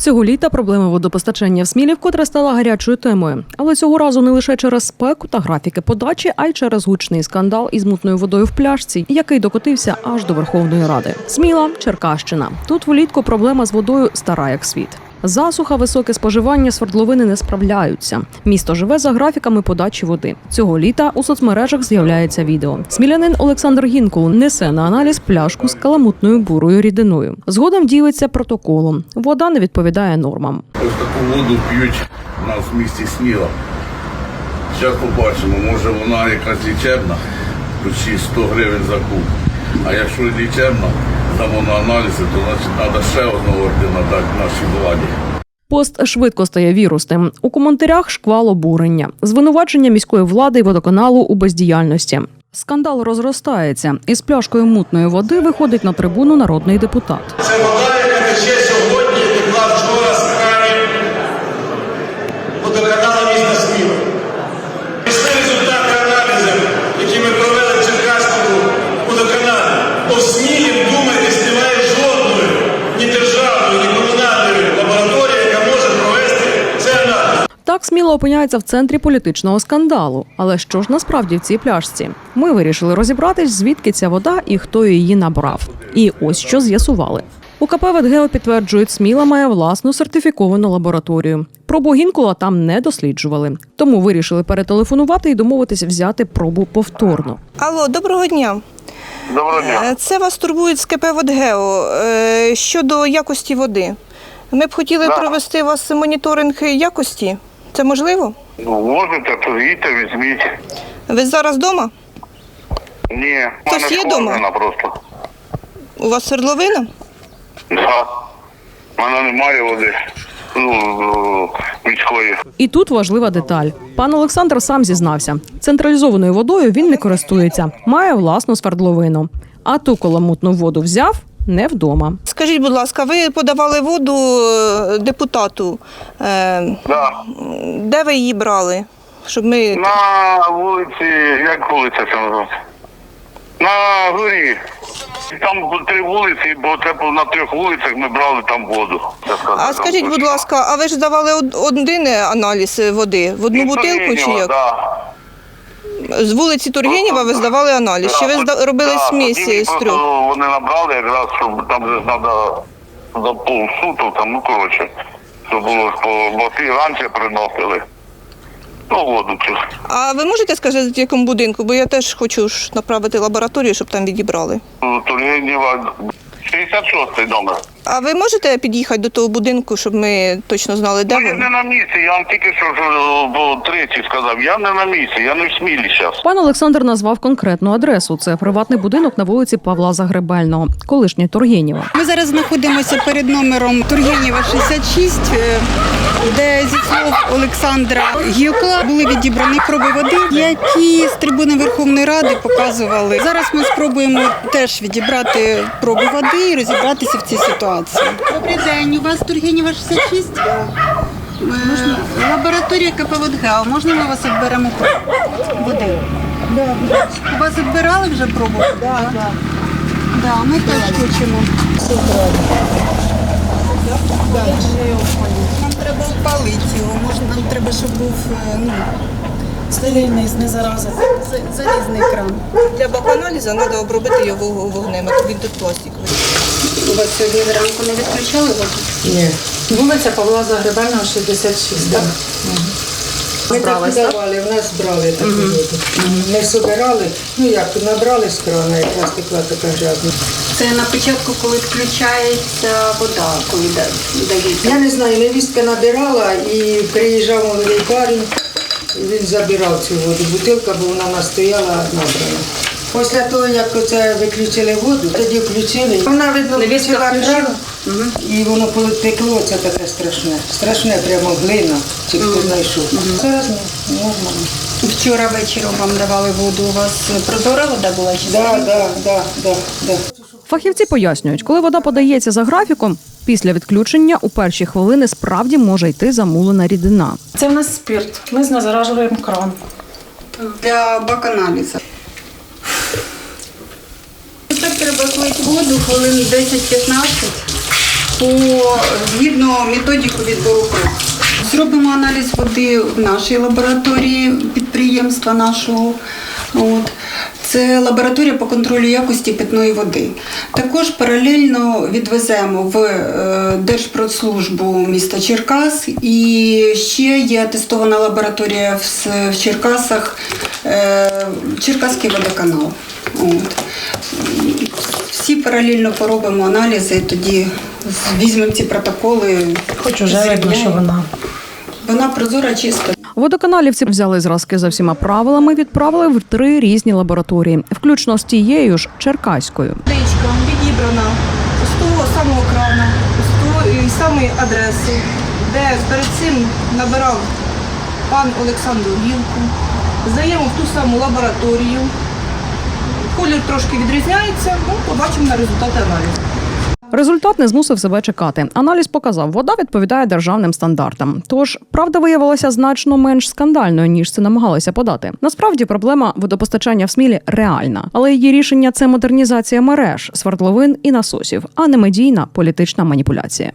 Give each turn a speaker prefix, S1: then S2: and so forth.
S1: Цього літа проблема водопостачання в Смілі вкотре стала гарячою темою. Але цього разу не лише через спеку та графіки подачі, а й через гучний скандал із мутною водою в пляшці, який докотився аж до Верховної Ради. Сміла – Черкащина. Тут влітку проблема з водою стара як світ. Засуха, високе споживання, свердловини не справляються. Місто живе за графіками подачі води. Цього літа у соцмережах з'являється відео. Смілянин Олександр Гінкул несе на аналіз пляшку з каламутною бурою рідиною. Згодом ділиться протоколом. Вода не відповідає нормам.
S2: Ось таку воду п'ють у нас в місті Сміла. Зараз побачимо, може вона якась лічебна, почти 100 гривень за куб. А якщо лічебна, дамо на аналізи, то значить треба ще одного ордена дати нашій владі.
S1: Пост швидко стає вірусним. У коментарях шквал обурення. Звинувачення міської влади і водоканалу у бездіяльності. Скандал розростається. Із пляшкою мутної води виходить на трибуну народний депутат.
S3: Це вода, яка тече сьогодні, текла вчора з кранів водоканалу міста Сміла. Після результати аналізів, які ми провели в Черкаському водоканалі, то в Смілі, вдумайтесь, немає жодної ні державної, ні комунальної лабораторії, яка може провести цей аналіз.
S1: Так Сміла опиняється в центрі політичного скандалу. Але що ж насправді в цій пляшці? Ми вирішили розібратись, звідки ця вода і хто її набрав. І ось що з'ясували. У КП «Ветгео» підтверджують, Сміла має власну сертифіковану лабораторію. Пробу Гінкула там не досліджували. Тому вирішили перетелефонувати і домовитись взяти пробу повторно.
S4: Алло, доброго дня.
S2: Доброго дня.
S4: Це вас турбують з КП «Ветгео» щодо якості води. Ми б хотіли провести у вас моніторинг якості. Це можливо?
S2: Ну, можете, то їдьте, візьміть.
S4: Ви зараз вдома?
S2: Ні,
S4: Хтось є дома?
S2: просто.
S4: У вас свердловина?
S2: Да. У мене немає води. Міської.
S1: І тут важлива деталь. Пан Олександр сам зізнався. Централізованою водою він не користується. Має власну свердловину. А ту каламутну воду взяв не вдома.
S4: Скажіть, будь ласка, ви подавали воду депутату.
S2: Да.
S4: Де ви її брали? Щоб ми...
S2: На вулиці, як вулиця це називається? На горі. Там 3 вулиці, бо це на 3 вулицях ми брали там воду.
S4: А скажіть, будь ласка, а ви ж давали один аналіз води? В одну бутилку чи як?
S2: Да.
S4: З вулиці Тургенєва ви здавали аналіз? Чи ви робили смісі з трьох?
S2: Вони набрали якраз, щоб там же треба за полсуток, там, ну коротше, щоб було, бо ті раніше приносили. Ну, воду цю.
S4: А ви можете сказати, в якому будинку? Бо я теж хочу направити лабораторію, щоб там відібрали.
S2: Тургенєва, 66-й номер.
S4: А ви можете під'їхати до того будинку, щоб ми точно знали, де
S2: Я
S4: ви?
S2: не на місці, я вам тільки що третій сказав, я не на місці, я не в Смілі зараз.
S1: Пан Олександр назвав конкретну адресу. Це приватний будинок на вулиці Павла Загребельного, колишнє Тургенєва.
S5: Ми зараз знаходимося перед номером Тургенєва 66, де зі слов Олександра Гілкла були відібрані проби води, які з трибуни Верховної Ради показували. Зараз ми спробуємо теж відібрати проби води і розібратися в цій ситуації. Добрий день, у вас Тургенєва 66? Лабораторія КП «Ветгео». Можна ми вас відберемо води? У вас відбирали вже пробу? Так. Да, ми теж хочемо. Нам треба опалити його, нам треба, щоб був стерильний, не зараза, залізний кран.
S4: Для баканалізу треба обробити його вогнем, а він тут пластиковий.
S5: У вас сьогодні зранку не відключали воду?
S6: Ні. Вулиця Павла Загребельного, 66, так. Ми так давали, в нас брали таку воду. Не собирали, ну як, набрали з крана, якраз текла така грязна.
S5: Це на початку, коли включається вода, коли дається.
S6: Я не знаю, невістка набирала і приїжджав молодий парень, і він забирав цю воду. Бутилка, бо вона настояла набрана. Після того, як оце виключили воду, тоді включили. Вона, видно, включила кран, і воно потекло, це таке страшне. Страшне, прямо глина, чи хто знайшов. Зараз нормально.
S5: Вчора вечором вам давали воду, у вас прозора вода була?
S6: Так.
S1: Фахівці пояснюють, коли вода подається за графіком, після відключення у перші хвилини справді може йти замулена рідина.
S7: Це в нас спирт. Ми знезаражуємо кран.
S5: Для баканалізу. Так треба слити воду хвилин 10-15. згідно методику відбору проб. Зробимо аналіз води в нашій лабораторії підприємства нашого. От. Це лабораторія по контролю якості питної води. Також паралельно відвеземо в Держпродслужбу міста Черкас, і ще є атестована лабораторія в Черкасах, Черкаський водоканал. От. Всі паралельно поробимо аналізи, тоді візьмемо ці протоколи.
S7: Хоч уже видно, що
S5: Вона прозора, чиста.
S1: Водоканалівці взяли зразки за всіма правилами, відправили в 3 різні лабораторії, включно з тією ж черкаською.
S4: Водичка відібрана з того самого крана, з тої самої адреси, де перед цим набирав пан Олександр Гілку. Здаємо в ту саму лабораторію. Колір трошки відрізняється, побачимо на результати аналізу.
S1: Результат не змусив себе чекати. Аналіз показав, вода відповідає державним стандартам. Тож, правда виявилася значно менш скандальною, ніж це намагалися подати. Насправді, проблема водопостачання в Смілі реальна. Але її рішення – це модернізація мереж, свердловин і насосів, а не медійна політична маніпуляція.